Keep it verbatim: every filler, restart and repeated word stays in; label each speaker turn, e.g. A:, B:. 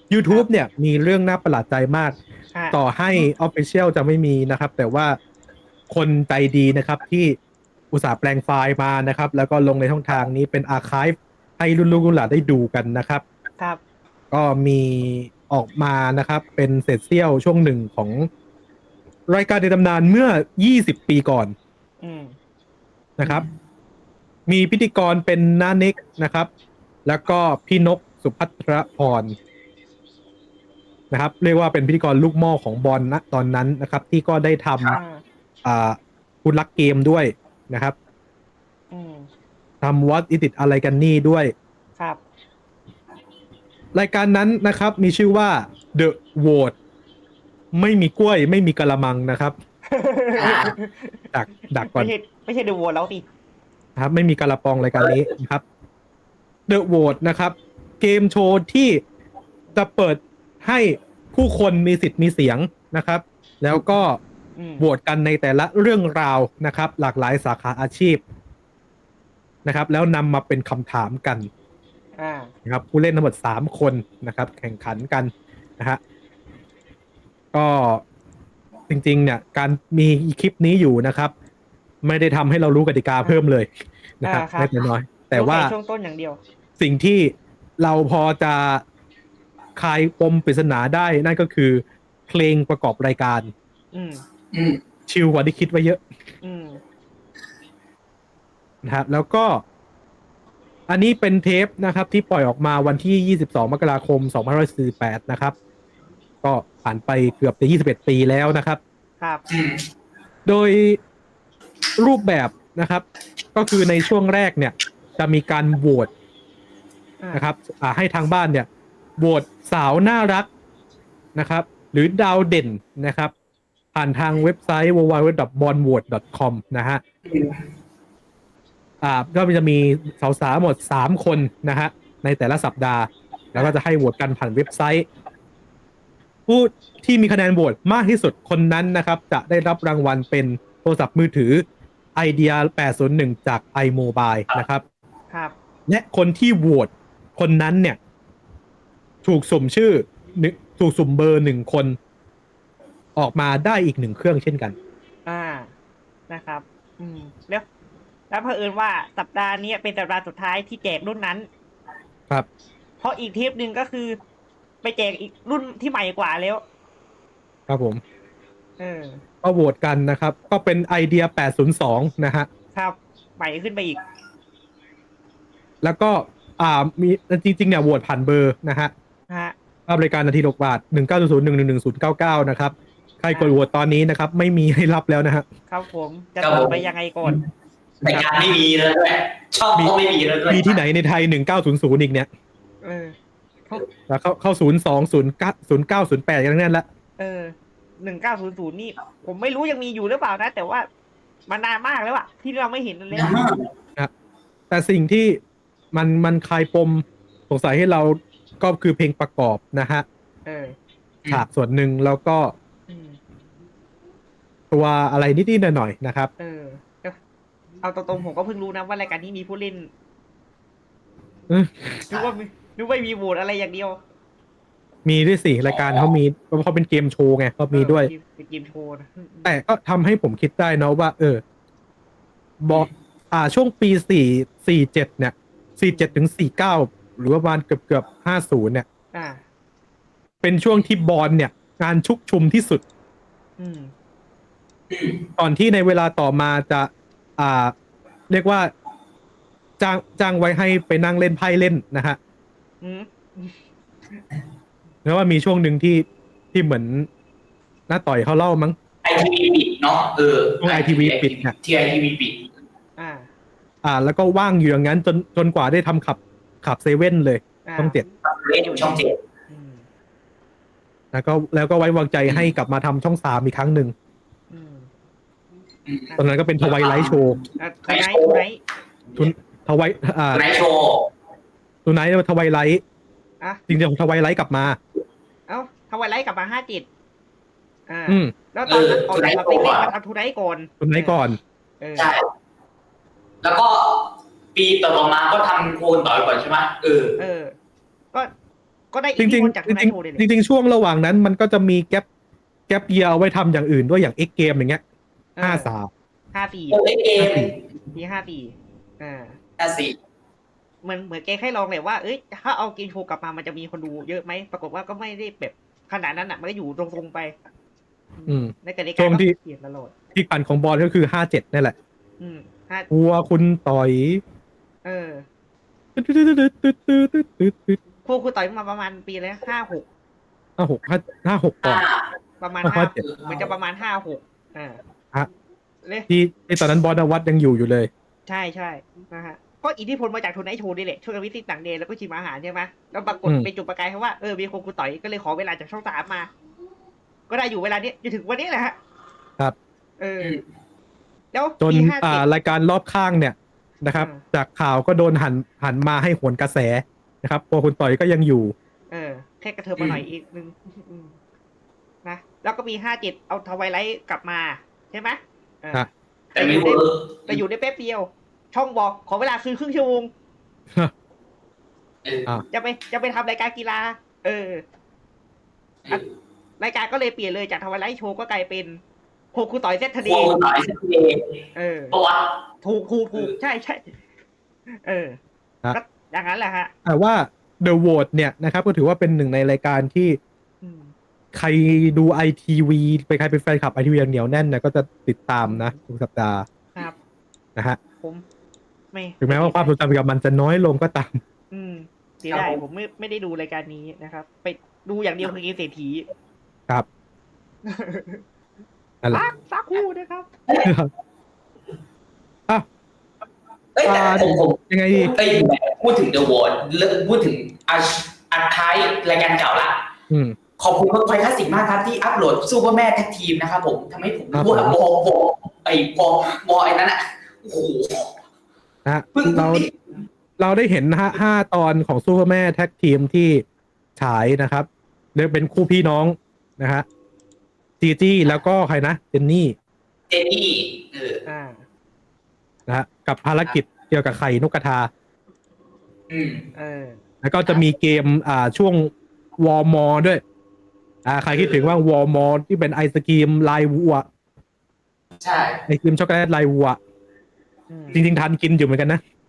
A: ครั
B: YouTube
A: บ
B: เนี่ยมีเรื่องน่าประหลาดใจมาก
A: อ่ะ
B: ต่อให้ Official จะไม่มีนะครับ แต่ว่าคนใจดีนะครับที่อุตส่าห์แปลงไฟล์มานะครับ แล้วก็ลงในช่องทางนี้เป็นอาร์คายฟ์ให้รุ่นลูกรุ่นหลานได้ดูกันนะครับ
A: ครับ
B: ก็มีออกมานะครับเป็นเศษเสี้ยวช่วงหนึ่งของรายการในตำนานเมื่อ ยี่สิบ ปีก่อน
A: อืม
B: นะครับ มีพิธีกรเป็นน้าเน็กนะครับ แล้วก็พี่นกสุภัทรพรนะครับเรียกว่าเป็นพิธีกรลูกหม้อของบอลณตอนนั้นนะครับที่ก็ได้ท
A: อ่า
B: ำอ่าคุณลักเกมด้วยนะครับ
A: อืม
B: ทำ What Is It อะไรกันนี่ด้วย
A: ครับ
B: รายการนั้นนะครับมีชื่อว่า The Vote ไม่มีกล้วยไม่มีกะละมังนะครับดักดักก่อน
A: ไม่ใช่ไม่ใช่ดูวัวแล้วดิ
B: นะครับไม่มีกะละปองรายการนี้นะครับ The Vote นะครับเกมโชว์ที่จะเปิดให้ผู้คนมีสิทธิ์มีเสียงนะครับแล้วก็
A: อืม
B: โหวตกันในแต่ละเรื่องราวนะครับหลากหลายสาขาอาชีพนะครับแล้วนำมาเป็นคำถามกัน
A: อ่า
B: นะครับผู้เล่นทั้งหมดสามคนนะครับแข่งขันกันนะฮะก็จริงๆเนี่ยการมีคลิปนี้อยู่นะครับไม่ได้ทำให้เรารู้กติกาเพิ่มเลยนะครับ
A: อ่าครับ
B: ไม่แต่น้อยแต่
A: รู้
B: ว่า
A: แค่ช่วงต้นอย่างเดียว
B: สิ่งที่เราพอจะคลายปมปริศนาได้นั่นก็คือเพลงประกอบรายการ
A: อืม
C: อืม
B: ชิลกว่าที่คิดไว้เยอะ
A: อืม
B: นะครับแล้วก็อันนี้เป็นเทปนะครับที่ปล่อยออกมาวันที่ยี่สิบสองมกราคมสองพันห้าร้อยสี่สิบแปดนะครับก็ผ่านไปเกือบจะยี่สิบเอ็ดปีแล้วนะครับ
A: ครับ
C: อืม
B: โดยรูปแบบนะครับก็คือในช่วงแรกเนี่ยจะมีการโหวต
A: อ่า
B: นะครับอ่าให้ทางบ้านเนี่ยโหวตสาวน่ารักนะครับหรือดาวเด่นนะครับผ่านทางเว็บไซต์ ดับเบิลยู ดับเบิลยู ดับเบิลยู ดอท บอลโหวต ดอท คอม นะฮะอ่าก็จะมีสาวๆหมดสามคนนะฮะในแต่ละสัปดาห์ แล้วก็จะให้โหวตกันผ่านเว็บไซต์ ผู้ที่มีคะแนนโหวตมากที่สุดคนนั้นนะครับจะได้รับรางวัลเป็นโทรศัพท์มือถือ Idea แปดศูนย์หนึ่งจาก iMobile นะครับ
A: ครับ
B: และคนที่โหวตคนนั้นเนี่ยถูกสุ่มชื่อหนึ่งถูกสุ่มเบอร์หนึ่งคนออกมาได้อีกหนึ่งเครื่องเช่นกัน
A: อ่านะครับ อืมแล้วแล้วเผอิญว่าสัปดาห์นี้เป็นสัปดาห์สุดท้ายที่แจกรุ่นนั้น
B: ครับ
A: เพราะอีกเทปหนึ่งก็คือ ไปแจกอีกรุ่นที่ใหม่กว่าแล้ว
B: ครับผม
A: เออ
B: ก็โหวตกันนะครับก็เป็นไอเดียแปดศูนย์สองนะฮะ
A: ครับใหม่ขึ้นไปอีก
B: แล้วก็อ่ามีจริงๆเนี่ยโหวตผ่านเบอร์นะฮะ
A: ฮะ
B: ค่าบริการนาทีหกบาทหนึ่งเก้าศูนย์หนึ่งหนึ่งหนึ่งศูนย์เก้าเก้านะครับใครกดโหวตตอนนี้นะครับไม่มีให้รับแล้วนะฮะ
A: ครับผมจะ
C: ครับ
A: ต่
C: ผ
A: อ
C: ม
A: ไปยังไงก่อน
C: รายการไม่มีแล้วด้วยช่องก็ไม่มีแล้วด้วย
B: มีที่ไหนในไทยหนึ่งเก้าศูนย์ศูนย์อีกเนี่ย
A: เออเขา
B: แล้วเข้าเข้าศูนย์สองศูนย์เก้าศูนย์เก้าศูนย์แปดกันทั้งนั้นละ
A: เออหนึ่งเก้าศูนย์ศูนย์นี่ ผมไม่รู้ยังมีอยู่หรือเปล่านะ แต่ว่ามันนานมากแล้วอะที่เราไม่เห็นแล้ว
B: นะแต่สิ่งที่มันมันคลายปมสงสัยให้เราก็คือเพลงประกอบนะฮะ
A: เออ
B: ฉากส่วนหนึ่งแล้วก็
A: อืม
B: ตัวอะไรนิดๆหน่อยๆนะครับ
A: เออเอาตรงๆผมก็เพิ่งรู้นะว่ารายการนี้มีผู้เล่น
B: เออ
A: นึกว่ามีนึกว่ามีโหวตอะไรอย่างเดียว
B: มีด้วยสิรายการเขามีเพราะเขาเป็นเกมโชว์ไงก็มีด้วย
A: เออเป็นเกมโชว์นะ
B: แต่ก็ทำให้ผมคิดได้นะว่า เออ บอกอ่าช่วงปีสี่สี่เจ็ดเนี่ยสี่เจ็ดถึงสี่เก้าหรือว่าประมาณเกือบเกือบห้าศูนย์เนี่ย
A: อ่า
B: เป็นช่วงที่บอลเนี่ย งานชุกชุมที่สุด
A: อืม
B: ก่อนที่ในเวลาต่อมาจะอ่าเรียกว่าจ้างจ้างไว้ให้ไปนั่งเล่นไพ่เล่นนะฮะ
A: อืม
B: แล้วว่ามีช่วงหนึ่งที่ที่เหมือนน้าต่อยเขาเล่ามั้ง
C: ไอทีวีปิดเนาะเออ
B: ช่วง ไอ ที วี ปิดเนี่ย
C: ที่ไอทีวีปิด
A: อ่า
B: อ่า แล้วก็ว่างอยู่อย่างนั้นจนจนกว่าได้ทำขับขับเซเว่นเลย
A: อ่า
B: ต้องเจ็ด
C: เล่นอยู่ช่องเจ็ด
A: อืม
B: แล้วก็แล้วก็ไว้วางใจให้กลับมาทำช่องสามอีกครั้งหนึ่ง
A: อืม
B: ตอนนั้นก็เป็นทวายไลท์โชว์
A: อ่ะทูไนท์ทูไนท์
B: ทุนทวายอ่า
C: ไนท์โชว์
B: ทุนไนท์ทวายไลท์
A: อ่ะ
B: จริงๆทวายไลท์กลับมา
A: เอ้าทวายไลท์กลับมาห้าเจ็ดอ่า
B: อืม
A: แล้วตอนนั้นก่อนเราไปเล่นมาทำทูไนท์ก่อน
B: ทุนไนท์ก่อน
A: เออ
C: ใช่ แล้วก็ปีต่อๆมาก็ทำโคนต่อยก่อนใช่ไหมเออ
A: เออ ก็ก็ได้
B: จ
A: อิทธิ
B: ริง
A: พลจาก
B: ๆ
A: ทู
B: จ
A: ไน
B: ริ
A: ท์
B: ง
A: โชว์เลย
B: ๆ จ
A: เนี่ย
B: ริงๆช่วงระหว่างนั้นมันก็จะมีแกปแกปเยียเอาไว้ทำอย่างอื่นด้วยอย่าง X เกมอย่างเงี้ยห้าสาม
A: ห้าสี่
C: โอ้ยเกม
A: ปีห้าสี่อ่า
C: อ่ะสิ
A: เหมือนเหมือนแกแค่ลองแหละว่าเอ้ยถ้าเอาเกมโชว์กลับมามันจะมีคนดูเยอะไหมปรากฏว่าก็ไม่ได้แบบขนาดนั้นอ่ะมันก็อยู่ตรงๆไป
B: อืม
A: ในกติ
B: ช่
A: กาว
B: ง
A: ก็
B: ที่
A: เปลี่ยนตลอด
B: ที่ขันของบอลก็คือห้าเจ็ดนี่แหละ
A: อืมห้า
B: หัวคุณต่อย
A: เออ
B: ตึ๊ดตึ๊ดตึ๊ดตึ๊ดตึ๊ดตึ๊ดตึ๊ดตึ๊ด
A: พวกคุณต่อยมาประมาณปีแล้วห้าหก
B: ห้าหกห้าห้าหกก่อ
C: อ่าน
A: ประมาณ
B: ห้า
A: ห้า
B: เจ็ด
A: เหมือนจะประมาณห้าหกอ่า
B: ฮะ
A: เลย
B: ที่ที่ตอนนั้นบอลนวัดยังอยู่อยู่เลย
A: ใช่ใช่นะฮะก็อิทธิพลมาจากทูไนท์โชว์นี่แหละช่วยกันวิสิตต่างเดย์แล้วก็ชิมอาหารใช่ไหมแล้วปรากฏ
B: อืม
A: เป็นจุดประกายเพราะว่าเออมีคนคุณต่อยก็เลยขอเวลาจากช่องสามมา ก็ได้อยู่เวลานี้จนถึงวันนี้แหละฮะ
B: ครับ
A: เออ แล้ว
B: จน
A: ปีห้า
B: อ่า
A: เจ็ด
B: รายการรอบข้างเนี่ยนะครับ
A: อ่า
B: จากข่าวก็โดนหันหันมาให้โหนกระแสนะครับตัวคุณต่อยก็ยังอยู่
A: เออแค่กระเทิบมาหน่อยอีกนึงอืมนะแล้วก็ปีห้าเจ็ดเอาทวายไลท์กลับมาใช่ไหมเออ
B: ครับ
C: แต่ไม่เวิร์ก
A: แต่อยู่ได้แป๊บเดียว ช่องบอกขอเวลาคือครึ่งชั่วโมง
C: เออ
B: อ่า
A: จะไปจะไปทำรายการกีฬา เออ
C: เออ
A: รายการก็เลยเปลี่ยนเลยจากทวายไลท์โชว์ก็กลายเป็นโคคูต่อยเซตท
C: พ
A: เด
C: วก
A: ย์
C: คุณต่อยสักที
A: เออ
C: ปะวะ
A: ถูกถูกถูกใช่ใช่เออ
B: ครับ
A: ก็อย่างนั้นแหละฮะ
B: แต่ว่า The Vote เนี่ยนะครับก็ถือว่าเป็นหนึ่งในรายการที่
A: อืม
B: ใครดูไอทีวีไปใครเป็นแฟนคลับไอทีวีอย่างเหนียวแน่นเนี่ยก็จะติดตามนะทุกสัปดาห์
A: ครับ
B: นะฮะ
A: ผมไม่
B: ถึงแม้ว่าความทรงจำกับมันจะน้อยลงก็ตาม
A: อืมเสียดายผมไม่ไม่ได้ดูรายการนี้นะครับ ไปดูอย่างเดียวคือเกมเศรษฐี
B: ครับนั่นแหละ
A: สักสักครู่นะครับ
B: อ่ะ
C: เอ้ยแต่
B: อ่า
C: ผมผม
B: ยังไงดี
C: เอ้ยพูดถึง The Word เลิกพูดถึงอัดอัดท้ายรายการเก่าละ
B: อืม
C: ขอบคุณเวิร์กพอยต์คลาสสิกมากครับที่อัปโหลดซูเปอร์แม่แท็กทีมนะครับผมทำให้ผม
B: ครับ
C: รู้ว่าบอบอไอ้บอบอไอ้นั้นอ่ะโอ้โห
B: นะฮะ
C: เพิ่ง
B: เรา
C: พิ่ง
B: เราได้เห็นห้าห้าตอนของซูเปอร์แม่แท็กทีมที่ฉายนะครับเรียกเป็นคู่พี่น้องนะฮะจีจี้แล้วก็ใครนะเจนนี่
C: เจนนี่เออ
A: อ่า
B: นะฮะกับภารกิจเกี่ยวกับไข่นกกระทา
C: อืม
A: เออ
B: แล้วก็จะมีเกมอ่าช่วงวอลมอด้วยอ่าใครคิดถึงว่าวอลมอที่เป็นไอศกรีมลายวัว
C: ใช่
B: ไอศกรีมช็อกโกแลตลายวัว
A: อืม
B: จริงๆทันกินอยู่เหมือนกันนะ